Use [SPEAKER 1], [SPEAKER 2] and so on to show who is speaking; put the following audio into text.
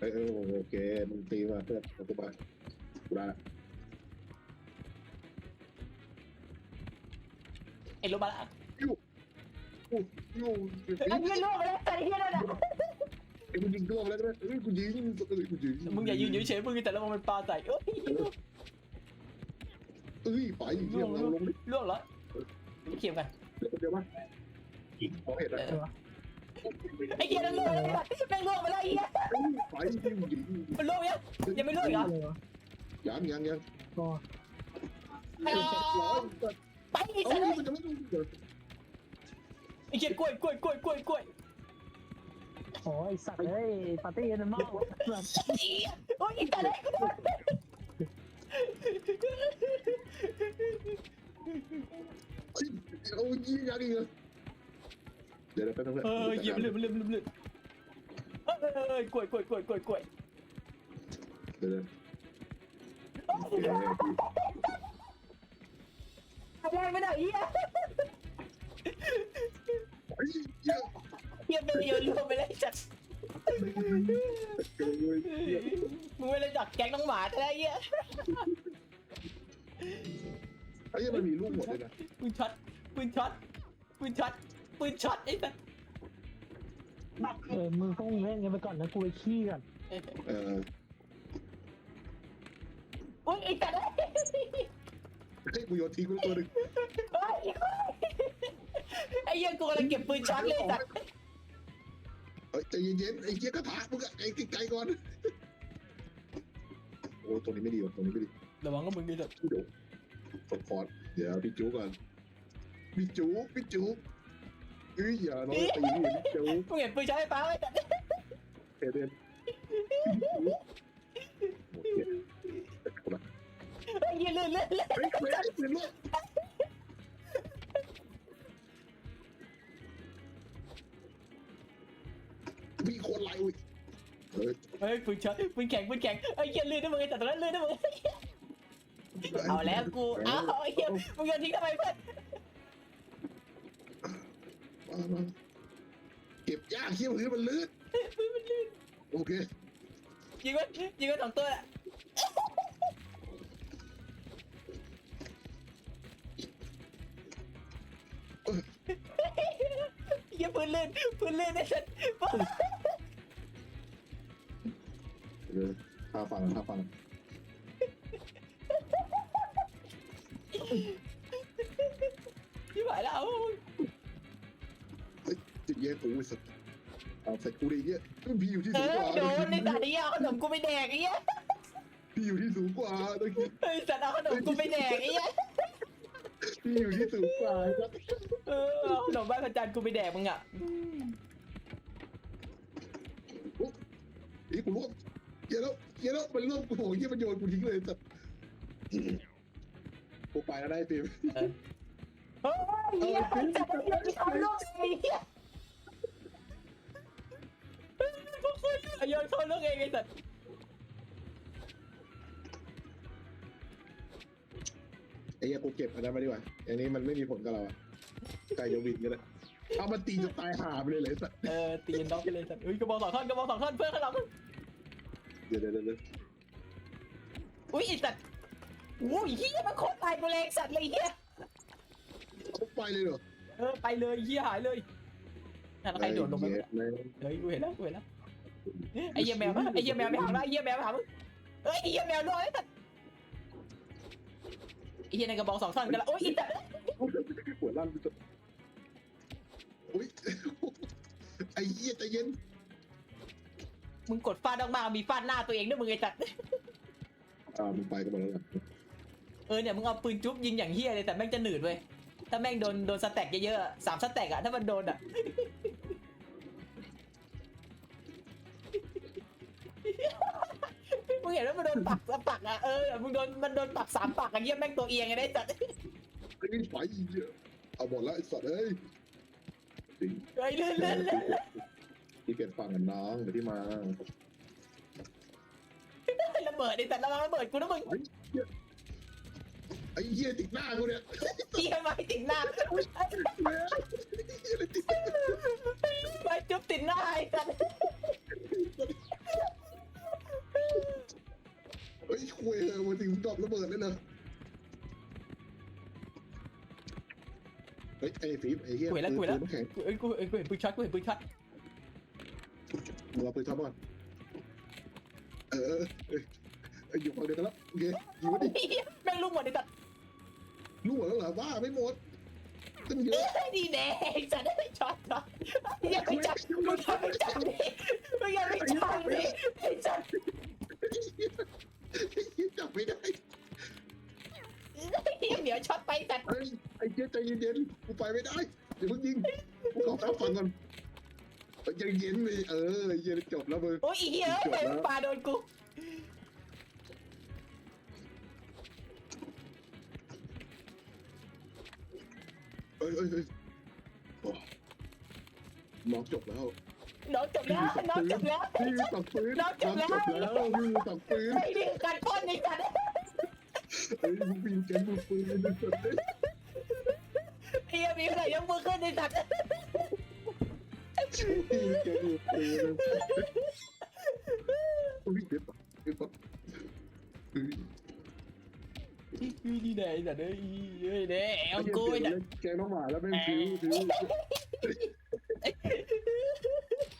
[SPEAKER 1] โอเคมึงตีมาเพื่อนกูมากูได้ละ
[SPEAKER 2] ไอ้ลงมาละ
[SPEAKER 1] ยูยูยู
[SPEAKER 2] ไอ้เหี้ยล่วงไปแล้วแต่ไอ้เหี้ยนั่นน่ะ
[SPEAKER 1] ไอ้กูยิงตัวแล้วก็ได้กูยิงกูยิง
[SPEAKER 2] มึงอย่ายืนเฉยๆมึงแต่ละมันปาใส่
[SPEAKER 1] ไปเที่ยวเราลงดิ
[SPEAKER 2] ล่วงเหรอเขียมกัน
[SPEAKER 1] เดี๋ยวมาขอเห็นอะไร
[SPEAKER 2] ไอ้เหี้ยนั่นล่วงแล้วแม่งล่วงไปแล้วไอ้เหี้ย
[SPEAKER 1] ไปยิงยิง
[SPEAKER 2] มันล่วงยังไม่ล่วงอีกเหรอ
[SPEAKER 1] ยัง
[SPEAKER 3] ก็
[SPEAKER 2] ไปไอ้
[SPEAKER 1] เอ้า
[SPEAKER 2] สัตว์
[SPEAKER 1] มันจะไม่ดูเลย
[SPEAKER 2] ไอ้เหี้ยกล้วย
[SPEAKER 3] โอ้ยสัตว์เอ้ยปาร์ตี้นั่นมาก
[SPEAKER 2] โอ้ยไอ้สัตว์กูโดน
[SPEAKER 1] เอายิงยังอีกเลยเดี๋ยวแป๊บนึง
[SPEAKER 2] เหยียบลืมกล้วย
[SPEAKER 1] เดี๋ยว
[SPEAKER 2] อะไรไม่ได้เหี้ย
[SPEAKER 1] ไอ้เหี้ย
[SPEAKER 2] เหี้ยเป็นโยนล่วงไปเลยจัดมึงไม่เลยจักแก๊งน้องหมาแต่ไอ้เหี้ย
[SPEAKER 1] ไอ้เหี้ยมันมีลูกหมดเลยนะ
[SPEAKER 2] ปืนช็อตไอ้สัส
[SPEAKER 3] มึงต้องเล่นกันไปก่อนนะกูไปขี้ก่อน
[SPEAKER 2] โอ้ยไอ้สัส
[SPEAKER 1] ให้กูโยนทิ้งไปตัวหนึ่ง
[SPEAKER 2] ไอ้เหี้ยกูกำลังเก็บปืนช็อตเลยสัส
[SPEAKER 1] เฮ้ยใจเย็นๆไอ้เหี้ยกระถางมึงอะไอ้ไกลก่อนโอ้ตรงนี้ไม่ดีว่ะตรงนี้ไม่ดี
[SPEAKER 2] ระวังก็มึงดิสัส
[SPEAKER 1] เดี๋ยวกดคอร์ดเดี๋ยวพี่จูก่อนพี่จูอย่าน้องตีพี่จู
[SPEAKER 2] มึงเห็นปืนช็อตไอ้ป้าไหมสัส
[SPEAKER 1] เดินโอเคกูละ
[SPEAKER 2] ไอ้เหี้ยลื่น
[SPEAKER 1] เฮ้ยเว้ยเป็นลูกมีคนไล่อุ้ยเฮ้ย
[SPEAKER 2] เฮ้ยปืนช็อตปืนแข็งไอ้เหี้ยลื่นนะมึงไอ้สัสตรงนั้นลื่นนะมึงเอาแล้วกูเอาไอ้เหี้ยมึงโยนทิ้งทำไมเพื่อน
[SPEAKER 1] มาเก็บยากเขี้ยวพื้นมันลื่นโอเค
[SPEAKER 2] ยิงมัน2 ตัวแหละเหี้ยปืนลื่นไอ้สัส
[SPEAKER 1] ท่าฟัง
[SPEAKER 2] ที่หายแล้ว
[SPEAKER 1] เฮ้ยจิตเย็นกูสัตว์เอาใส่กูดิเงี้ยพี่อยู่ที่สูงกว่า
[SPEAKER 2] โดนในสัตว์นี้เอาขนมกูไปแดกไอ้เหี้ย
[SPEAKER 1] พี่อยู่ที่สูงกว่าตะกี้
[SPEAKER 2] ไอ้สัตว์เอาขนมกูไปแดกไอ้เหี้ย
[SPEAKER 1] พี่อยู่ที่สูงกว่าครับ
[SPEAKER 2] เอาขนมบ้านพระจันทร์กูไปแดกมึงอ่ะ
[SPEAKER 1] อีกูร่วมเยอะแล้วมันร่วมกูโหเยี่ยมันโยนกูทิ้งเลยสัตว์กูไปแล้วได้ฟิล์ม
[SPEAKER 2] เฮ้ยเหี้ยจับไอ้เหี้ยที่ทำลูกไอ้เหี้ยพวกคุณโยนเข้าลูกเองไอ้สัตว์
[SPEAKER 1] ไอ้เหี้ยกูเก็บอันนั้นมาดีกว่าอันนี้มันไม่มีผลกับเราอะไก่โยวินกันเลยเอามันตีจนตายหาไปเลยสัตว์
[SPEAKER 2] ตีนน้องไปเลยสัตว์กระบอก2 ท่อนเพื่อนข้างหลัง
[SPEAKER 1] เดี๋ยว
[SPEAKER 2] อุ้ยไอ้สัตว์โอ้ยเหี้ยมันโคตรตายกูเลยสัตว์เลยเหี้ย
[SPEAKER 1] เขาไปเลยเหรอ
[SPEAKER 2] ไปเลยเหี้ยหายเลยนั่นใครโดดลงไป
[SPEAKER 1] เฮ้ย
[SPEAKER 2] กูเห็นแล้วไอ้เหี้ยแมวไปหามึงไอ้เหี้ยแมวเฮ้ยไอ้เหี้ยแมวด้วยสัตว์ไอ้เหี้ยในกระบอก2 ท่อนกันละโอ้ยไอ้สัตว์
[SPEAKER 1] หัวลั่นไปจนอุ้ยไอ้เหี้ยใจเย็น
[SPEAKER 2] มึงกดฟาดออกมามีฟาดหน้าตัวเองด้วยมึงไอ้สัตว์
[SPEAKER 1] มึงไปกันหมดแล้วเหรอ
[SPEAKER 2] เนี่ยมึงเอาปืนจุ๊บยิงอย่างเหี้ยเลยแต่แม่งจะหนืดเว้ยถ้าแม่งโดนสแต็กเยอะๆ3 สแต็กอะถ้ามันโดนอะมึงเห็นว่ามันโดนปักอะมันโดนปัก3 ปักอะเหี้ยแม่งตัวเอียงไงได้สัตว์
[SPEAKER 1] ไอ้ไฟเอาหมดแล้วไอ้สัตว์เอ้ยจริง
[SPEAKER 2] เฮ้ยเล่น
[SPEAKER 1] ที่เก็บฟังกันน้องเดี๋ยวที่มา
[SPEAKER 2] ระเบิดไอ้สัตว์ระวังระเบิดกูนะมึง
[SPEAKER 1] ไอ้เหี้ยติดหน้ากูเนี่ย
[SPEAKER 2] เหี้ยไม้ติดหน้าไม้จุ๊บติดหน้าไอ้สัตว์
[SPEAKER 1] ดเลยเหรอเฮ้ยไอ้ฟีบไอ้เหี้ย
[SPEAKER 2] กูเห็นแล้วกูเห็นแล้ว
[SPEAKER 1] ปืนน้ำแข็ง
[SPEAKER 2] กูเห็นปืนช็อตกูเห็นปืนช็อต
[SPEAKER 1] มึงเอาปืนช็อตก่อนอยู่ฝั่งเดียวกันแล้วโอเคยิงมาดิ
[SPEAKER 2] แม่งลูกหมดเลยสัตว์
[SPEAKER 1] รู้หมดแล้วเหรอว่าไม่หมดตั้งเยอะ
[SPEAKER 2] ดีแดงสัตว์ได้ช็อตช็อตอย่าไปจับมึงอย่าไปจับดิมึงอย่าไปจับดิไอ้สัตว์
[SPEAKER 1] จับไม่ได้
[SPEAKER 2] เดี๋ยวช็อตไปสัตว์
[SPEAKER 1] ไอ้เจ๊ใจเย็นๆกูไปไม่ได้เดี๋ยวเพิ่งยิงกูขอแป๊บฟังก่อนใจเย็นเลยเย็นจบแล้วมึง
[SPEAKER 2] โอ้ยเหี้ยไปปาโดนกู
[SPEAKER 1] เอ้ยน้องจบแล้ว
[SPEAKER 2] น้องจบแล้วน้องจบแล้ว
[SPEAKER 1] พี่ตักปืนน้องจบแล้วพี่ตักปืน
[SPEAKER 2] ไอ้นี่การป้อนไอ้สัตว์
[SPEAKER 1] มึงปีนแกงมึงปืนมึงสุดเลย
[SPEAKER 2] ไอ้ยังมีใครยกมือขึ้นไอ้สัตว์
[SPEAKER 1] ปีนแกงมึงปืนอุ้ยเด็ดปะ
[SPEAKER 2] นี่แน่ไอ้สัตว์เอ้ยเด้เอากูไอ้สัตว์
[SPEAKER 1] แกงน้องหมาแล้วแม่งฟิว